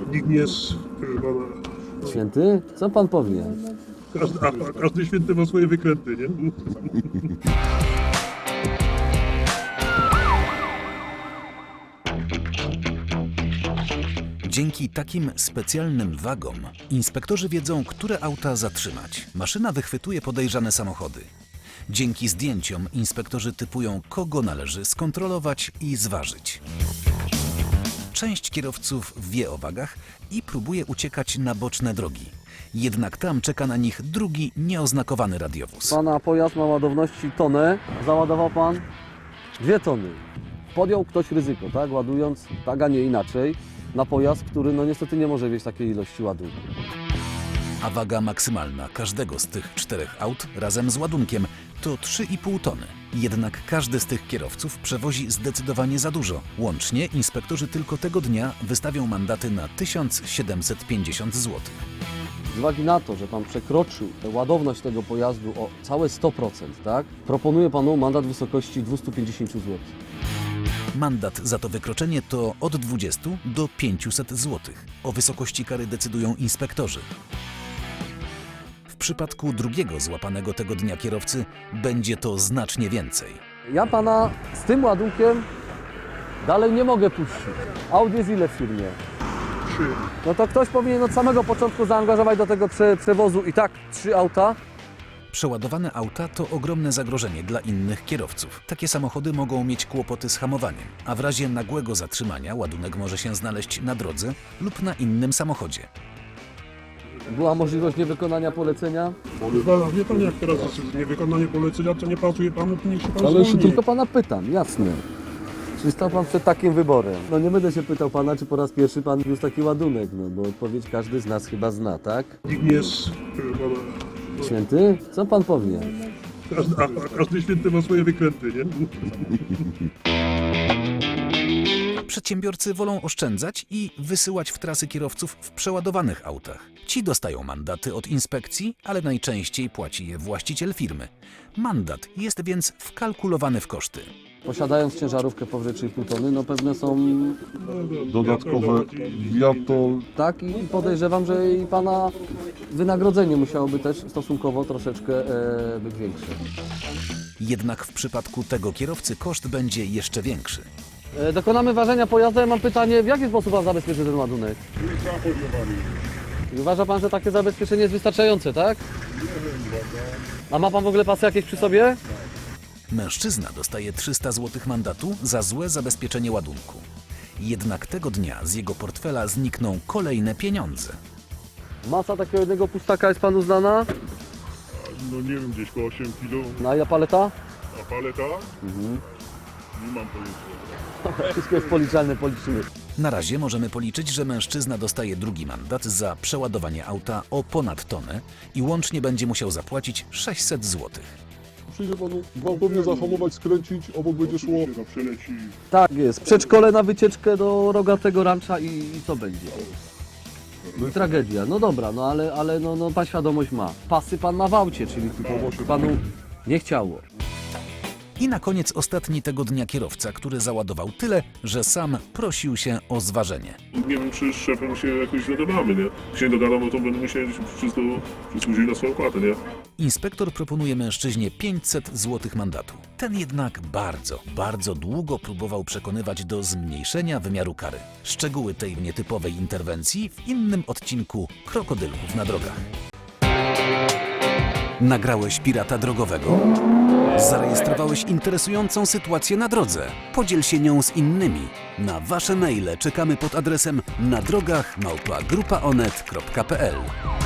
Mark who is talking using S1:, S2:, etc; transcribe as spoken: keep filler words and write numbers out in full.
S1: Nikt nie jest, proszę pana,
S2: Święty? Co pan powie?
S1: każdy, a, a każdy święty ma swoje wykręty, nie?
S3: Dzięki takim specjalnym wagom inspektorzy wiedzą, które auta zatrzymać. Maszyna wychwytuje podejrzane samochody. Dzięki zdjęciom inspektorzy typują, kogo należy skontrolować i zważyć. Część kierowców wie o wagach i próbuje uciekać na boczne drogi. Jednak tam czeka na nich drugi nieoznakowany radiowóz.
S2: Pana pojazd ma ładowności tonę, załadował pan dwie tony. Podjął ktoś ryzyko, tak? Ładując tak, a nie inaczej, na pojazd, który no niestety nie może wieść takiej ilości ładunku.
S3: A waga maksymalna każdego z tych czterech aut razem z ładunkiem to trzy i pół tony. Jednak każdy z tych kierowców przewozi zdecydowanie za dużo. Łącznie inspektorzy tylko tego dnia wystawią mandaty na tysiąc siedemset pięćdziesiąt złotych.
S2: Z uwagi na to, że pan przekroczył ładowność tego pojazdu o całe sto procent, tak? Proponuję panu mandat w wysokości dwieście pięćdziesiąt złotych.
S3: Mandat za to wykroczenie to od dwudziestu do pięciuset złotych. O wysokości kary decydują inspektorzy. W przypadku drugiego złapanego tego dnia kierowcy będzie to znacznie więcej.
S2: Ja pana z tym ładunkiem dalej nie mogę puścić. Aut jest ile w firmie?
S1: Trzy.
S2: No to ktoś powinien od samego początku zaangażować do tego prze przewozu i tak trzy auta.
S3: Przeładowane auta to ogromne zagrożenie dla innych kierowców. Takie samochody mogą mieć kłopoty z hamowaniem, a w razie nagłego zatrzymania ładunek może się znaleźć na drodze lub na innym samochodzie.
S2: Była możliwość niewykonania polecenia,
S1: Wie pan, wie pan jak teraz jest niewykonanie polecenia, co nie pasuje panu, to niech się pan
S2: ale jeszcze
S1: zwolni.
S2: tylko pana pytam, jasne. Czy stał pan przed takim wyborem? No nie będę się pytał pana, czy po raz pierwszy pan wiózł taki ładunek, no bo odpowiedź każdy z nas chyba zna, tak?
S1: Nikt nie jest, proszę pana,
S2: Święty? Co pan powie?
S1: każdy, a, a każdy święty ma swoje wykręty, nie?
S3: Przedsiębiorcy wolą oszczędzać i wysyłać w trasy kierowców w przeładowanych autach. Ci dostają mandaty od inspekcji, ale najczęściej płaci je właściciel firmy. Mandat jest więc wkalkulowany w koszty.
S2: Posiadając ciężarówkę powyżej trzy i pół tony, no pewne są,
S4: Dodatkowe wiatol.
S2: tak, i podejrzewam, że i pana wynagrodzenie musiałoby też stosunkowo troszeczkę e, być większe.
S3: Jednak w przypadku tego kierowcy koszt będzie jeszcze większy.
S2: E, dokonamy ważenia pojazdu. Ja mam pytanie, w jaki sposób pan zabezpieczy ten ładunek? I uważa pan, że takie zabezpieczenie jest wystarczające, tak? A ma pan w ogóle pasy jakieś przy sobie?
S3: Mężczyzna dostaje trzysta złotych mandatu za złe zabezpieczenie ładunku. Jednak tego dnia z jego portfela znikną kolejne pieniądze.
S2: Masa takiego jednego pustaka jest panu znana?
S1: No nie wiem, gdzieś po osiem kilo,
S2: No i paleta?
S1: a paleta? Mhm. Nie mam pojęcia.
S2: Wszystko jest policzalne, policzymy.
S3: Na razie możemy policzyć, że mężczyzna dostaje drugi mandat za przeładowanie auta o ponad tonę i łącznie będzie musiał zapłacić sześćset złotych.
S4: Przyjdzie panu gwałtownie zahamować, skręcić, obok będzie szło.
S1: No przeleci.
S2: Tak jest. Przedszkole na wycieczkę do rogatego rancza i, i co będzie? No, tragedia. No dobra, no ale, ale no, no pan świadomość ma. Pasy pan ma w aucie, czyli tylko panu nie chciało.
S3: I na koniec ostatni tego dnia kierowca, który załadował tyle, że sam prosił się o zważenie.
S1: Nie wiem, czy z szefem się jakoś dogadamy, nie? Jak się nie dogadamy, to będę musiał wszystko przysłużyć na swoją opłatę, nie?
S3: Inspektor proponuje mężczyźnie pięćset złotych mandatu. Ten jednak bardzo, bardzo długo próbował przekonywać do zmniejszenia wymiaru kary. Szczegóły tej nietypowej interwencji w innym odcinku Krokodylków na drogach. Nagrałeś pirata drogowego? Zarejestrowałeś interesującą sytuację na drodze? Podziel się nią z innymi. Na wasze maile czekamy pod adresem na drogach małpa grupa onet kropka p l.